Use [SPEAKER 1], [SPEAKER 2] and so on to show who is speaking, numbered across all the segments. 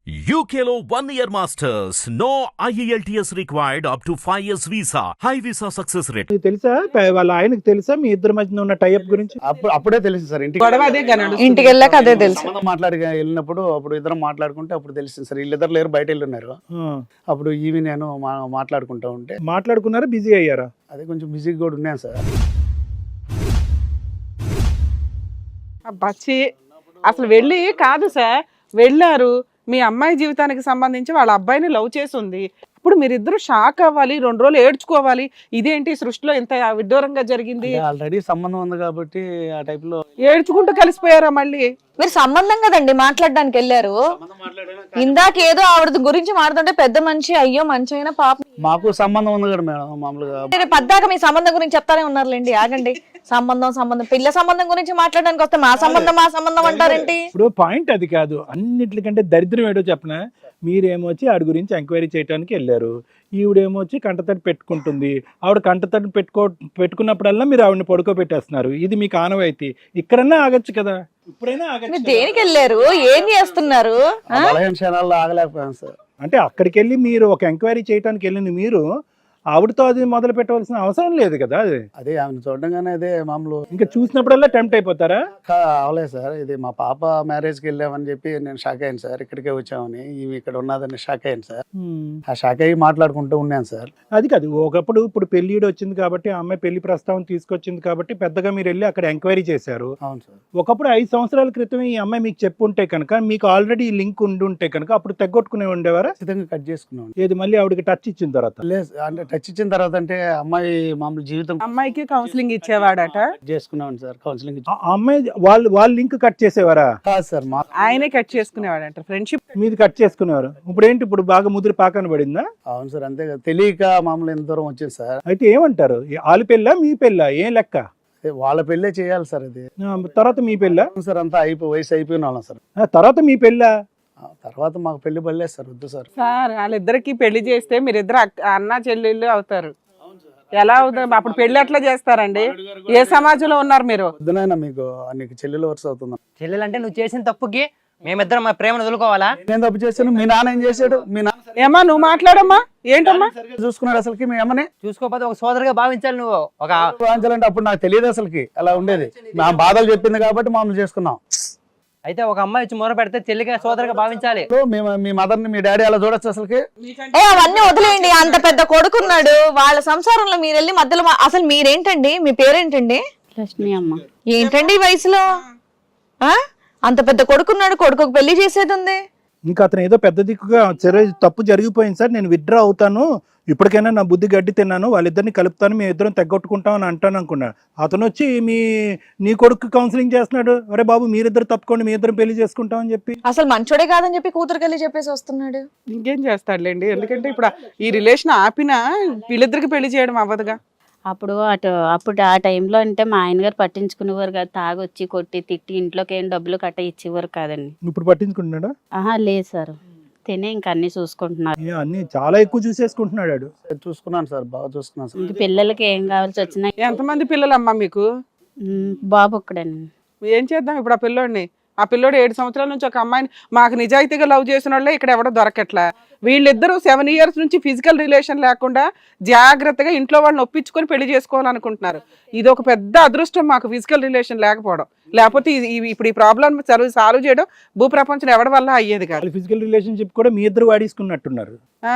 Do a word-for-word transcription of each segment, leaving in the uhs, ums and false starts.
[SPEAKER 1] U K లో one year masters. No I E L T S required up to five years visa. High visa success rate.
[SPEAKER 2] మీకు తెలుసా ప- వాళ్ళ ఆయనకు తెలుసా మీ ఇద్దరి మధ్యన ఉన్న టైప్ గురించి?
[SPEAKER 3] అప్పుడు అప్పుడే తెలిసింది సార్ ఇంటికి
[SPEAKER 4] గొడవ అదే గా నడుస్తుంది.
[SPEAKER 5] ఇంటికి వెళ్ళాక అదే తెలుసు.
[SPEAKER 3] సంబంధం మాట్లాడి వెళ్ళినప్పుడు అప్పుడు ఇద్దరం మాట్లాడుకుంటే అప్పుడు తెలిసింది సార్ వీళ్ళిద్దరు లేరు బయట వెళ్ళున్నారు.
[SPEAKER 2] ఆ,
[SPEAKER 3] అప్పుడు ఈవి నేను మా- మాట్లాడుకుంటా ఉంటే
[SPEAKER 2] మాట్లాడుకున్నారా, బిజీ అయ్యారా?
[SPEAKER 3] అదే కొంచెం బిజీగా కూడా ఉన్నాను సార్.
[SPEAKER 4] బచ్చి అసలు వెళ్ళి కాదు సార్, వెళ్ళారు మీ అమ్మాయి జీవితానికి సంబంధించి వాళ్ళ అబ్బాయిని లవ్ చేసి ఉంది. ఇప్పుడు మీరిద్దరు షాక్ అవ్వాలి, రెండు రోజులు ఏడ్చుకోవాలి, ఇదేంటి సృష్టిలో ఇంత విడ్డూరంగా జరిగింది.
[SPEAKER 3] ఆల్రెడీ సంబంధం ఉంది కాబట్టి ఆ టైప్ లో
[SPEAKER 4] ఏడ్చుకుంటూ కలిసిపోయారా మళ్ళీ?
[SPEAKER 5] మీరు సంబంధం కదండి మాట్లాడడానికి వెళ్ళారు. ఇందాక ఏదో ఆవిడ గురించి మాట్లాడుతుంటే పెద్ద మనిషి, అయ్యో మంచి అయినా పాప.
[SPEAKER 3] మాకు సంబంధం ఉంది కదా మేడం మామూలుగా.
[SPEAKER 5] మీరు పద్దాక మీ సంబంధం గురించి చెప్తానే ఉన్నారులేండి, ఆగండి. సంబంధం సంబంధం పిల్ల సంబంధం గురించి మాట్లాడడానికి వస్తే మా సంబంధం మా సంబంధం అంటారేంటి?
[SPEAKER 2] ఇప్పుడు పాయింట్ అది కాదు, అన్నిటికంటే దరిద్రం ఏడో చెప్పనా, మీరేమో వచ్చి ఆడి గురించి ఎంక్వైరీ చేయడానికి వెళ్ళారు, ఈవిడేమో వచ్చి కంటతడి పెట్టుకుంటుంది. ఆవిడ కంటతడి పెట్టుకో పెట్టుకున్నప్పుడల్లా మీరు ఆవిడని పడుకోబెట్టేస్తున్నారు. ఇది మీకు ఆనవాయితీ. ఇక్కడన్నా ఆగచ్చు కదా, ఇప్పుడైనా ఆగచ్చు
[SPEAKER 5] మీరు
[SPEAKER 2] కదా.
[SPEAKER 5] దేనికి వెళ్ళారు, ఏం చేస్తున్నారు?
[SPEAKER 3] ఆ బలహీన క్షణాల్లో ఆగలేకపోయాను సార్.
[SPEAKER 2] అంటే అక్కడికి వెళ్ళి మీరు ఒక ఎంక్వైరీ చేయడానికి వెళ్ళింది మీరు, ఆవిడతో అది మొదలు పెట్టవలసిన అవసరం లేదు కదా. అది
[SPEAKER 3] అదే ఆమెను చూడగానే అదే మామూలు
[SPEAKER 2] ఇంకా చూసినప్పుడల్లా టెంప్ట్ అయిపోతారా?
[SPEAKER 3] కా- అవలేదు సార్. ఇది మా పాప మ్యారేజ్కి వెళ్ళామని చెప్పి నేను షాక్ అయ్యాను సార్. ఇక్కడికే వచ్చామని ఇవి ఇక్కడ ఉన్నదని షాక్ అయ్యాను సార్. ఆ షాక్ అయ్యి మాట్లాడుకుంటూ ఉన్నాను సార్.
[SPEAKER 2] అది కాదు, ఒకప్పుడు ఇప్పుడు పెళ్లిడు వచ్చింది కాబట్టి ఆ అమ్మాయి పెళ్లి ప్రస్తావన తీసుకొచ్చింది కాబట్టి పెద్దగా మీరు వెళ్ళి అక్కడ ఎంక్వైరీ చేశారు.
[SPEAKER 3] అవును సార్.
[SPEAKER 2] ఒకప్పుడు ఐదు సంవత్సరాల క్రితం ఈ అమ్మాయి మీకు చెప్పుంటే కనుక, మీకు ఆల్రెడీ లింక్ ఉండి ఉంటే కనుక అప్పుడు తెగొట్టుకునే ఉండేవారా?
[SPEAKER 3] ఖచ్చితంగా కట్ చేసుకున్నాం.
[SPEAKER 2] ఏది మళ్ళీ ఆవిడకి టచ్ ఇచ్చిన తర్వాత?
[SPEAKER 3] లేదు అంటే టచ్ ఇచ్చిన తర్వాత అంటే అమ్మాయి మామూలు జీవితం
[SPEAKER 4] అమ్మాయికి కౌన్సిలింగ్ ఇచ్చేవాడట,
[SPEAKER 3] కట్ చేసుకున్నాం సార్. కౌన్సిలింగ్
[SPEAKER 2] ఆ అమ్మాయి వాళ్ళు వాళ్ళ లింక్ కట్ చేసేవారా?
[SPEAKER 3] కాదు సార్. మా
[SPEAKER 4] ఆయనే కట్ చేసుకునేవాడంట. ఫ్రెండ్షిప్
[SPEAKER 2] మీది కట్ చేసుకునేవారు. ఇప్పుడు ఏంటి, ఇప్పుడు బాగా ముదిరి పాకన పడిందా?
[SPEAKER 3] అవును సార్. అంతే కదా, తెలియక మామూలు ఎంత దూరం వచ్చింది సార్.
[SPEAKER 2] అయితే ఏమంటారు, వాళ్ళ పెళ్ళా మీ పెళ్ళా, ఏం లెక్క?
[SPEAKER 3] అదే వాళ్ళ పెళ్ళే చేయాలి సార్. అది
[SPEAKER 2] ఆ, తర్వాత మీ పెళ్ళా?
[SPEAKER 3] అవును సార్. అంతా అయిపోయి వయసు అయిపోయిన వాళ్ళం సార్.
[SPEAKER 2] ఆ, తర్వాత మీ పెళ్ళా?
[SPEAKER 3] ఆ తర్వాత మాకు పెళ్లి పడలేదు సార్. వద్దు సార్.
[SPEAKER 4] సార్ వాళ్ళిద్దరికి పెళ్లి చేస్తే మీరిద్దరు అక్క- అన్న చెల్లెళ్ళు అవుతారు. ఎలా అవుతారు అప్పుడు? పెళ్లి ఎట్లా చేస్తారండి? ఏ సమాజంలో ఉన్నారు మీరు?
[SPEAKER 3] వద్దునైనా మీకు నీకు చెల్లెలు వరుస అవుతుంది.
[SPEAKER 6] చెల్లెలంటే నువ్వు చేసిన తప్పుకి మేమిద్దరం మా ప్రేమను వదులుకోవాలా?
[SPEAKER 3] నేను తప్పు చేశాను, మీ నాన్న ఏం చేశాడు? మీ నాన్న
[SPEAKER 4] ఏమా నువ్వు మాట్లాడమ్మా, ఏంటమ్మా?
[SPEAKER 3] సరిగ్గా చూసుకున్నాడు అసలుకి మీ అమ్మని?
[SPEAKER 6] చూసుకోకపోతే ఒక సోదరుగా భావించాలి నువ్వు. ఒక
[SPEAKER 3] వాంచాలంటే అప్పుడు నాకు తెలియదు అసలుకి అలా ఉండేది. మా బాధలు చెప్పింది కాబట్టి మామూలు చేసుకున్నాం.
[SPEAKER 6] అయితే ఒక అమ్మాయి వచ్చి మొర పెడితే చెల్లిగా సోదరుగా భావించాలి.
[SPEAKER 3] సో మేము మీ మదర్ని మీ డాడీ అలా చూడొచ్చు అసలుకి?
[SPEAKER 5] ఏ అవన్నీ వదిలేయండి, అంత పెద్ద కొడుకున్నాడు, వాళ్ళ సంసారంలో మీరు వెళ్ళి మధ్యలో మా- అసలు మీరేంటండి, మీ పేరేంటండి?
[SPEAKER 7] లక్ష్మి అమ్మ.
[SPEAKER 5] ఏంటండి ఈ వయసులో ఆ అంత పెద్ద కొడుకున్నాడు, కొడుకు పెళ్లి చేసేది ఉంది.
[SPEAKER 2] ఇంకా అతను ఏదో పెద్ద దిక్కుగా సరే తప్పు జరిగిపోయింది సార్, నేను విత్డ్రా అవుతాను, ఇప్పటికైనా నా బుద్ధి గడ్డి తిన్నాను, వాళ్ళిద్దరిని కలుపుతాను, మేము ఇద్దరం తెగొట్టుకుంటాం అని అంటాను అనుకున్నాడు. అతను వచ్చి మీ నీ కొడుకు కౌన్సిలింగ్ చేస్తున్నాడు, అరే బాబు మీరిద్దరు తప్పుకోండి, మీ ఇద్దరం పెళ్లి చేసుకుంటాం అని చెప్పి.
[SPEAKER 5] అసలు మంచోడే కాదని చెప్పి కూతురుకి వెళ్ళి చెప్పేసి వస్తున్నాడు.
[SPEAKER 4] ఇంకేం చేస్తాడులేండి, ఎందుకంటే ఇప్పుడు ఈ రిలేషన్ ఆపినా వీళ్ళిద్దరికి పెళ్లి చేయడం అవ్వదుగా.
[SPEAKER 7] అప్పుడు అటు అప్పుడు ఆ టైంలో అంటే మా ఆయన గారు పట్టించుకునేవారు కాదు. తాగొచ్చి కొట్టి తిట్టి ఇంట్లోకి ఏం డబ్బులు కట్ట ఇచ్చేవారు కాదండి.
[SPEAKER 2] ఇప్పుడు పట్టించుకుంటున్నాడా?
[SPEAKER 7] ఆహా లేదు సార్, తినే ఇంక అన్ని చూసుకుంటున్నారు.
[SPEAKER 2] ఏ, అన్ని చాలా ఎక్కువ చూసేసుకుంటున్నాడు వాడు.
[SPEAKER 3] చూసుకున్నాను సార్, బాగా చూసుకున్నాను సార్.
[SPEAKER 7] ఇంక పిల్లలకి ఏం కావాల్సి వచ్చినా
[SPEAKER 4] ఎంతమంది పిల్లలమ్మా మీకు?
[SPEAKER 7] ఉమ్, బాబు ఒక్కడండి.
[SPEAKER 4] ఏం చేద్దాం ఇప్పుడు ఆ పిల్లోడిని? ఆ పిల్లోడు ఏడు సంవత్సరాల నుంచి ఒక అమ్మాయిని మాకు నిజాయితీగా లవ్ చేసిన వాళ్ళే ఇక్కడ ఎవడో దొరకట్లా. వీళ్ళిద్దరూ సెవెన్ ఇయర్స్ నుంచి ఫిజికల్ రిలేషన్ లేకుండా జాగ్రత్తగా ఇంట్లో వాళ్ళని ఒప్పించుకొని పెళ్లి చేసుకోవాలనుకుంటున్నారు. ఇది ఒక పెద్ద అదృష్టం మాకు, ఫిజికల్ రిలేషన్ లేకపోవడం. లేకపోతే ఇది- ఇది- ఇప్పుడు ఈ ప్రాబ్లం సాల్వ్ చేయడం భూప్రపంచం ఎవరి వల్ల అయ్యేది కాదు.
[SPEAKER 2] వాళ్ళ ఫిజికల్ రిలేషన్షిప్ కూడా మీ ఇద్దరు వాడేసుకున్నట్టున్నారు.
[SPEAKER 4] ఆ.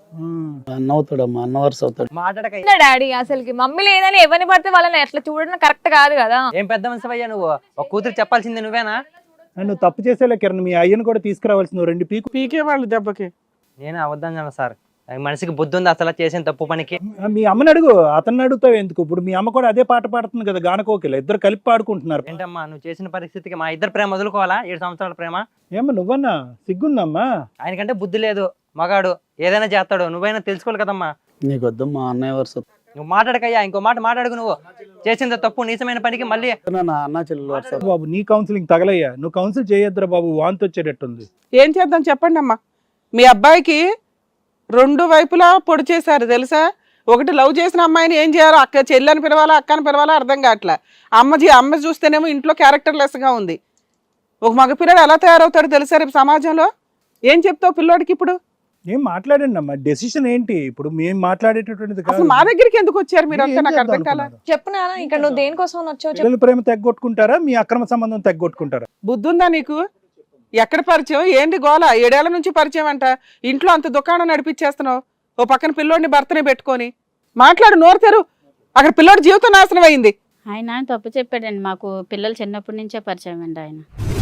[SPEAKER 3] అన్న అవుతాడమ్మా, అన్న వరుస అవుతాడు.
[SPEAKER 6] మాట్లాడక
[SPEAKER 8] డాడీ అసలుకి మమ్మీ లేదని ఎవరిని పడితే వాళ్ళని ఎట్లా చూడడం కరెక్ట్ కాదు కదా.
[SPEAKER 6] ఏం పెద్ద మనిషి అయ్యా నువ్వు? ఒక కూతురు చెప్పాల్సింది నువ్వేనా?
[SPEAKER 2] నువ్వు తప్పు చేసేలే కిరణ్, మీ అయ్యను కూడా తీసుకురావాల్సింది రెండు పీకు.
[SPEAKER 4] పీకే వాళ్ళు దెబ్బకి.
[SPEAKER 6] నేను అవద్దాను సార్, మనిషికి బుద్ధి ఉంది అసలు చేసిన తప్పు పనికి?
[SPEAKER 2] మీ అమ్మని అడుగు, అతన్ని అడుగుతావు ఎందుకు? ఇప్పుడు మీ అమ్మ కూడా అదే పాట పాడుతుంది కదా, గానకోకిల, ఇద్దరు కలిపి పాడుకుంటున్నారు.
[SPEAKER 6] ఏంటమ్మా నువ్వు చేసిన పరిస్థితికి మా ఇద్దరు ప్రేమ వదులుకోవాలా? ఏడు సంవత్సరాల ప్రేమ.
[SPEAKER 2] ఏమ్మా నువ్వన్నా సిగ్గుందమ్మా?
[SPEAKER 6] ఆయనకంటే బుద్ధి లేదు, మగాడు ఏదైనా చేస్తాడు, నువ్వైనా తెలుసుకోవాలి కదమ్మా.
[SPEAKER 3] నీకు వద్దు మా అన్నయ్య వరుస.
[SPEAKER 6] నువ్వు మాట్లాడకయ్యా, ఇంకో మాట మాట్లాడుకు. నువ్వు చేసిన తప్పు నీచమైన పనికి మళ్ళీ
[SPEAKER 3] నా అన్న చెల్లెలు వరుస.
[SPEAKER 2] బాబు నీ కౌన్సిలింగ్ తగలయ్యా, నువ్వు కౌన్సిల్ చేయొద్దురా బాబు, వాంతి వచ్చేటట్టుంది.
[SPEAKER 4] ఏం చేద్దాం చెప్పండి అమ్మా. మీ అబ్బాయికి రెండు వైపులా పొడి చేశారు తెలుసా. ఒకటి లవ్ చేసిన అమ్మాయిని ఏం చేయాలో, అక్క చెల్లని పిలవాలా అక్కని పిలవాలా అర్థం కావట్లే. అమ్మ అమ్మ చూస్తేనేమో ఇంట్లో క్యారెక్టర్ లెస్ గా ఉంది. ఒక మగపిల్లడు ఎలా తయారవుతాడు తెలుసా రేపు సమాజంలో? ఏం చెప్తావు పిల్లోడికి ఇప్పుడు?
[SPEAKER 2] ఏం మాట్లాడండి అమ్మా, డెసిషన్ ఏంటి ఇప్పుడు మేము మాట్లాడేటటువంటిది కాదు.
[SPEAKER 4] అసలు మా దగ్గరికి ఎందుకు వచ్చారు మీరు అంతా?
[SPEAKER 2] ఏం
[SPEAKER 4] నాకు అర్థం
[SPEAKER 2] చేద్దాం
[SPEAKER 4] కాల.
[SPEAKER 2] అనుకున్నారు?
[SPEAKER 5] చెప్పు నాన్న, ఇక్కడ నువ్వు దేనికోసం వచ్చావు చెప్పు.
[SPEAKER 2] పిల్లల ప్రేమ తెగ్గొట్టుకుంటారా, మీ అక్రమ సంబంధం తెగ్గొట్టుకుంటారా?
[SPEAKER 4] బుద్ధి ఉందా నీకు? ఎక్కడ పరిచయం ఏంటి గోల? ఏడేళ్ల నుంచి పరిచయం అంట, ఇంట్లో అంత దుకాణం నడిపించేస్తున్నావు, ఓ పక్కన పిల్లోడిని భర్తనే పెట్టుకొని. మాట్లాడు, నోరు తెరు. అక్కడ పిల్లోడి జీవితం నాశనం అయింది.
[SPEAKER 7] ఆయన తప్పు చెప్పాడండి, మాకు పిల్లలు చిన్నప్పటి నుంచే పరిచయం అండి ఆయన.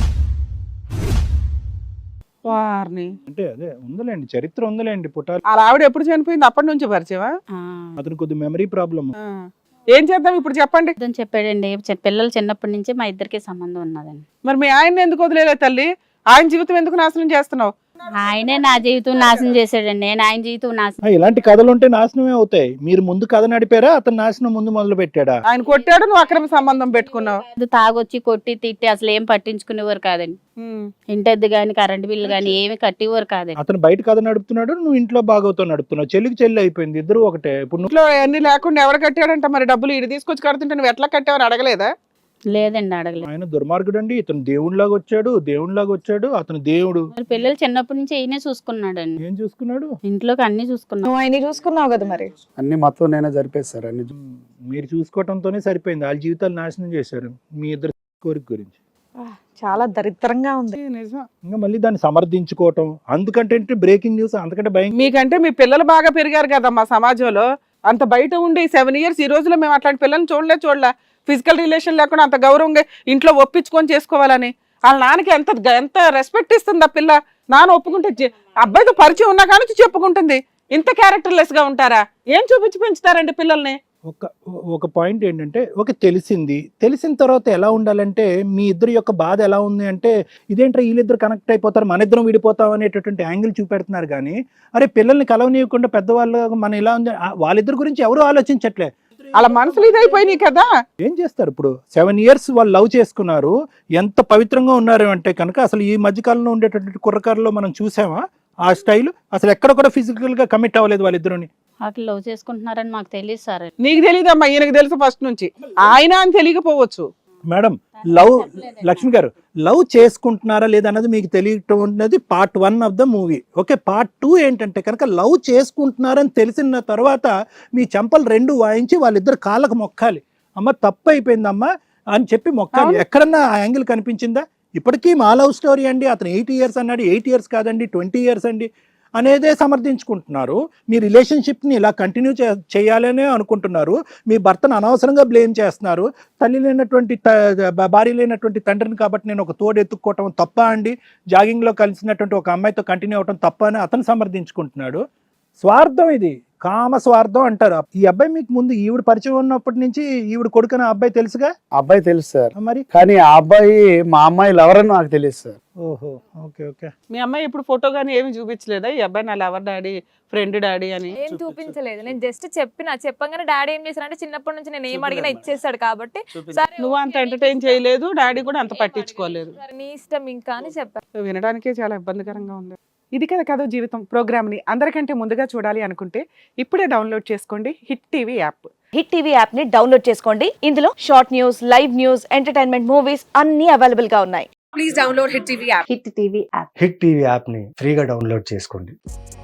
[SPEAKER 4] వారిని
[SPEAKER 2] అంటే అదే ఉందిలేండి, చరిత్ర ఉందిలేండి. పుట్టాలి
[SPEAKER 4] అలా ఆవిడ ఎప్పుడు చనిపోయింది? అప్పటి నుంచి పరిచయమా?
[SPEAKER 7] ఆ,
[SPEAKER 2] అతను కొద్ది మెమరీ ప్రాబ్లమ్.
[SPEAKER 4] ఆ. ఏం చేద్దాం ఇప్పుడు చెప్పండి.
[SPEAKER 7] అతను చెప్పాడండి, చి- పిల్లలు చిన్నప్పటి నుంచి మా ఇద్దరికి సంబంధం ఉన్నదండి.
[SPEAKER 4] మరి మీ ఆయన ఎందుకు వదిలేలే తల్లి? ఆయన జీవితం ఎందుకు నాశనం చేస్తున్నావు?
[SPEAKER 7] ఆయనే నా జీవితం నాశనం చేశాడండి, నేను ఆయన జీవితం నాశనం.
[SPEAKER 2] ఇలాంటి కథలు ఉంటే నాశనమే అవుతాయి. మీరు ముందు కథ నడిపారా, అతను నాశనం ముందు మొదలు పెట్టాడా?
[SPEAKER 4] ఆయన కొట్టాడు, నువ్వు అక్రమ సంబంధం పెట్టుకున్నావు.
[SPEAKER 7] అది తాగొచ్చి కొట్టి తిట్టి అసలు ఏం పట్టించుకునేవారు కాదండి.
[SPEAKER 4] ఉమ్.
[SPEAKER 7] ఇంటద్దు గాని కరెంట్ బిల్లు గాని ఏమి కట్టేవారు కాదండి.
[SPEAKER 2] అతను బయట కథ నడుపుతున్నాడు, నువ్వు ఇంట్లో బాగోతో నడుపుతున్నావు. చెల్లికి చెల్లి అయిపోయింది, ఇద్దరు ఒకటే. ఇప్పుడు నువ్వు
[SPEAKER 4] ఇంట్లో అన్ని లేకుండా ఎవరు కట్టాడంట? మరి డబ్బులు ఇటు తీసుకొచ్చి కడుతుంటే నువ్వు ఎట్లా కట్టావని అడగలేదా?
[SPEAKER 7] లేదండి, అడగలేదు.
[SPEAKER 2] ఆయన దుర్మార్గుడు అండి. ఇతను దేవుడిలాగా వచ్చాడు, దేవుడిలాగా వచ్చాడు. అతను దేవుడు.
[SPEAKER 7] మరి పిల్లలు చిన్నప్పటి నుంచి ఈయనే చూసుకున్నాడండి,
[SPEAKER 2] ఏం చూసుకున్నాడు?
[SPEAKER 7] ఇంట్లోకి అన్ని చూసుకున్నాడు.
[SPEAKER 5] నువ్వు ఆయన చూసుకున్నావు కదా మరి.
[SPEAKER 3] అన్ని మొత్తం నేనే జరిపేస్తారు అన్ని.
[SPEAKER 2] మీరు చూసుకోవటంతోనే సరిపోయింది. వాళ్ళ జీవితాలు నాశనం చేశారు మీ ఇద్దరు కోరిక గురించి.
[SPEAKER 5] చాలా దరిద్రంగా ఉంది.
[SPEAKER 4] ఇది నిజం.
[SPEAKER 2] ఇంకా మళ్ళీ దాన్ని సమర్థించుకోవటం, అందుకంటే బ్రేకింగ్ న్యూస్ అంతకంటే భయం.
[SPEAKER 4] మీకంటే మీ పిల్లలు బాగా పెరిగారు కదా మా సమాజంలో. అంత బయట ఉండి సెవెన్ ఇయర్స్ ఈ రోజులో మేము అట్లాంటి పిల్లల్ని చూడలే చూడలే ఫిజికల్ రిలేషన్ లేకుండా అంత గౌరవంగా ఇంట్లో ఒప్పించుకొని చేసుకోవాలని. వాళ్ళ నాన్నకి ఎంత ఎంత రెస్పెక్ట్ ఇస్తుంది ఆ పిల్ల. నాన్న ఒప్పుకుంటే జే- అబ్బాయితో పరిచయం ఉన్నా కానీ చెప్పుకుంటుంది. ఇంత క్యారెక్టర్లెస్ గా ఉంటారా? ఏం చూపించి పెంచుతారండి పిల్లల్ని?
[SPEAKER 2] ఒక ఒక పాయింట్ ఏంటంటే, ఒక తెలిసింది తెలిసిన తర్వాత ఎలా ఉండాలంటే, మీ ఇద్దరి యొక్క బాధ ఎలా ఉంది అంటే, ఇదేంట్రా వీళ్ళిద్దరు కనెక్ట్ అయిపోతారు, మన ఇద్దరం విడిపోతాం అనేటటువంటి యాంగిల్ చూపెడుతున్నారు. కానీ అరే పిల్లల్ని కలవనీయకుండా పెద్దవాళ్ళు మన ఇలా ఉంది, ఆ- వాళ్ళిద్దరి గురించి ఎవరు ఆలోచించట్లే.
[SPEAKER 4] అలా మనసులు ఇదైపోయినాయి కదా.
[SPEAKER 2] ఏం చేస్తారు ఇప్పుడు? సెవెన్ ఇయర్స్ వాళ్ళు లవ్ చేసుకున్నారు, ఎంత పవిత్రంగా ఉన్నారు అంటే కనుక అసలు ఈ మధ్యకాలంలో ఉండేటటువంటి కుర్రకారులో మనం చూసామా ఆ స్టైల్? అసలు ఎక్కడ కూడా ఫిజికల్ గా కమిట్ అవ్వలేదు వాళ్ళిద్దరుని.
[SPEAKER 7] అట్లా లవ్ చేసుకుంటున్నారని మాకు తెలియదు సార్.
[SPEAKER 4] నీకు తెలియదమ్మా, ఈయనకు తెలుసు ఫస్ట్ నుంచి. ఆయన అని తెలియకపోవచ్చు.
[SPEAKER 2] మేడం, లవ్ లక్ష్మి గారు లవ్ చేసుకుంటున్నారా లేదా అన్నది మీకు తెలియటం ఉన్నది part one of the movie. Okay, part two ఏంటంటే కనుక లవ్ చేసుకుంటున్నారని తెలిసిన తర్వాత మీ చెంపలు రెండు వాయించి వాళ్ళిద్దరు కాళ్ళకు మొక్కాలి. అమ్మ తప్పు అయిపోయిందమ్మా అని చెప్పి మొక్కాలి. ఎక్కడన్నా ఆ యాంగిల్ కనిపించిందా? ఇప్పటికీ మా లవ్ స్టోరీ అండి, అతను ఎయిట్ ఇయర్స్ అన్నాడు, ఎయిట్ ఇయర్స్ కాదండి ట్వంటీ ఇయర్స్ అండి అనేదే సమర్థించుకుంటున్నారు. మీ రిలేషన్షిప్ని ఇలా కంటిన్యూ చే చేయాలనే అనుకుంటున్నారు. మీ భర్తను అనవసరంగా బ్లేమ్ చేస్తున్నారు. తల్లి లేనటువంటి భార్య లేనటువంటి తండ్రిని కాబట్టి నేను ఒక తోడు ఎత్తుక్కోవటం తప్ప అండి, జాగింగ్లో కలిసినటువంటి ఒక అమ్మాయితో కంటిన్యూ అవటం తప్ప అని అతను సమర్థించుకుంటున్నాడు. స్వార్థం ఇది, కామ స్వార్థం అంటారు. ఈ అబ్బాయి మీకు ముందు ఈవిడ పరిచయం ఉన్నప్పటి నుంచి ఈవిడ కొడుకున అబ్బాయి తెలుసుగా?
[SPEAKER 3] అబ్బాయి తెలుసు సార్,
[SPEAKER 2] మరి
[SPEAKER 3] కానీ ఆ అబ్బాయి మా అమ్మాయిలు ఎవరని నాకు తెలియదు సార్.
[SPEAKER 2] ఓహో, ఓకే ఓకే.
[SPEAKER 4] మీ అమ్మాయి ఇప్పుడు ఫోటో గానీ ఏమి చూపించలేదా ఈ అబ్బాయి నా లవర్ డాడీ, ఫ్రెండ్ డాడీ అని?
[SPEAKER 8] ఏం చూపించలేదు. నేను జస్ట్ చెప్పిన చెప్పగానే డాడీ ఏం చేశారంటే, చిన్నప్పటి నుంచి నేను ఏం అడిగినా ఇచ్చేసాడు కాబట్టి సరే
[SPEAKER 4] నువ్వు అంత ఎంటర్టైన్ చేయలేదు, డాడీ కూడా అంత పట్టించుకోలేదు.
[SPEAKER 8] సరే, నీ ఇష్టం ఇంకా అని చెప్పాను.
[SPEAKER 4] వినడానికే చాలా ఇబ్బందికరంగా ఉంది. ఇది కదా కథ జీవితం ప్రోగ్రామ్ని అందరికంటే ముందుగా చూడాలి అనుకుంటే ఇప్పుడే డౌన్లోడ్ చేసుకోండి hit TV app.
[SPEAKER 5] Hit TV app ని డౌన్లోడ్ చేసుకోండి. ఇందులో short news, live news, entertainment movies అన్ని అవైలబుల్ గా ఉన్నాయి.
[SPEAKER 9] హిట్ టీవీ యాప్ని ఫ్రీగా డౌన్లోడ్ చేసుకోండి.